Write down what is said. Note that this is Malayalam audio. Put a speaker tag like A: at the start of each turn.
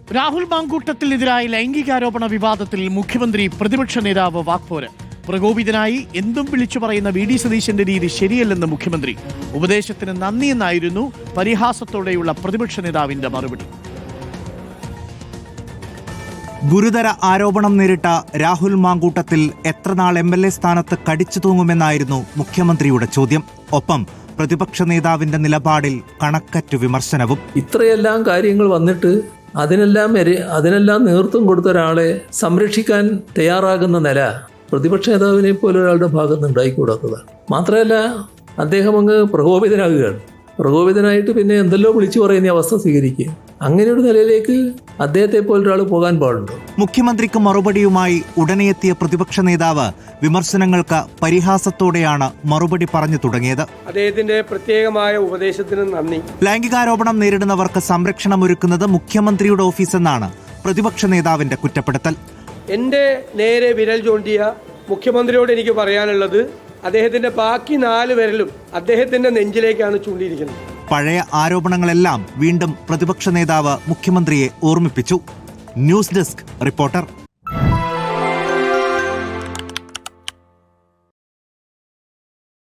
A: രാഹുൽ മാങ്കൂട്ടത്തിനെതിരായ ലൈംഗികാരോപണ വിവാദത്തിൽ മുഖ്യമന്ത്രി പ്രതിപക്ഷ നേതാവ് വാക്പോര്. പ്രകോപിതനായി എന്തും വിളിച്ചു പറയുന്ന വി ഡി സതീശന്റെ രീതി ശരിയല്ലെന്ന് മുഖ്യമന്ത്രി. ഉപദേശത്തിന് നന്ദിയെന്നായിരുന്നു പരിഹാസത്തോടെയുള്ള പ്രതിപക്ഷ നേതാവിന്റെ മറുപടി.
B: ഗുരുതര ആരോപണം നേരിട്ട രാഹുൽ മാങ്കൂട്ടത്തിൽ എത്രനാൾ MLA സ്ഥാനത്ത് കടിച്ചു തൂങ്ങുമെന്നായിരുന്നു മുഖ്യമന്ത്രിയുടെ ചോദ്യം. ഒപ്പം പ്രതിപക്ഷ നേതാവിന്റെ നിലപാടിൽ കണക്കറ്റു വിമർശനവും.
C: ഇത്രയെല്ലാം കാര്യങ്ങൾ വന്നിട്ട് അതിനെല്ലാം നേതൃത്വം കൊടുത്ത ഒരാളെ സംരക്ഷിക്കാൻ തയ്യാറാകുന്ന നില പ്രതിപക്ഷ നേതാവിനെ പോലെ ഒരാളുടെ ഭാഗത്ത് ഉണ്ടായിക്കൂടാത്തതാണ്. മാത്രമല്ല, അദ്ദേഹം അങ്ങ് പ്രകോപിതനാകുകയാണ്. പ്രകോപിതനായിട്ട് പിന്നെ എന്തെല്ലോ വിളിച്ചു പറയുന്ന അവസ്ഥ സ്വീകരിക്കുക. അങ്ങനെ ഒരു നിലയിലേക്ക് അദ്ദേഹത്തെ പോലൊരാൾ പോകാൻ പാടുണ്ടോ?
B: മുഖ്യമന്ത്രിക്ക് മറുപടിയുമായി ഉടനെ എത്തിയ പ്രതിപക്ഷ നേതാവ് വിമർശനങ്ങൾക്ക് പരിഹാസത്തോടെയാണ് മറുപടി പറഞ്ഞു തുടങ്ങിയത്.
D: അദ്ദേഹത്തിന്റെ പ്രത്യേകമായ ഉപദേശത്തിന് നന്ദി.
B: ലൈംഗികാരോപണം നേരിടുന്നവർക്ക് സംരക്ഷണം ഒരുക്കുന്നത് മുഖ്യമന്ത്രിയുടെ ഓഫീസെന്നാണ് പ്രതിപക്ഷ നേതാവിന്റെ കുറ്റപ്പെടുത്തൽ.
D: എന്റെ നേരെ വിരൽ ചൂണ്ടിയ മുഖ്യമന്ത്രിയോട് എനിക്ക് പറയാനുള്ളത്, അദ്ദേഹത്തിന്റെ ബാക്കി 4 വിരലും അദ്ദേഹത്തിന്റെ നെഞ്ചിലേക്കാണ് ചൂണ്ടിയിരിക്കുന്നത്.
B: പഴയ ആരോപണങ്ങളെല്ലാം വീണ്ടും പ്രതിപക്ഷ നേതാവ് മുഖ്യമന്ത്രിയെ ഓർമ്മിപ്പിച്ചു. News desk reporter.